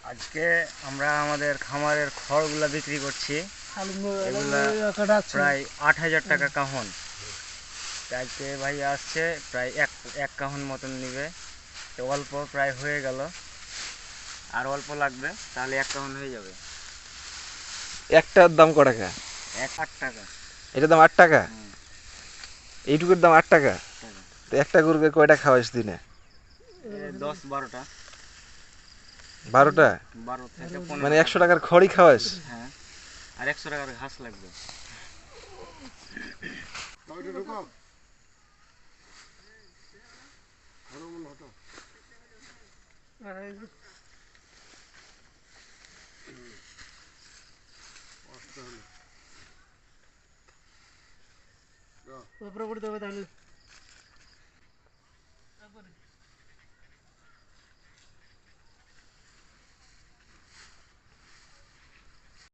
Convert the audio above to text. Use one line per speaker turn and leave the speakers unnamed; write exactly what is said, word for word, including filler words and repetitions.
আজকে আমরা আমাদের খামারের খড়গুলা বিক্রি করছি। এগুলা প্রায় আট হাজার টাকা কাহন। আজকে ভাই আসছে প্রায় এক এক কাহন মতন নিবে। তো অল্প প্রায় হয়ে গেল, আর অল্প লাগবে, তাহলে এক কাহন হয়ে যাবে।
একটার দাম ক টাকা?
এক আট টাকা।
এটার দাম আট টাকা? এইটুকুর দাম আট টাকা? তো একটা গরুকে কয়টা খাওয়াইস দিনে?
দশ বারোটা।
বারোটা?
বারো থেকে পনেরো।
মানে একশো টাকার খড়ই খাওয়াইস?
হ্যাঁ, আর একশো টাকার ঘাস লাগবে।
উপরে পড়তে হবে তাহলে।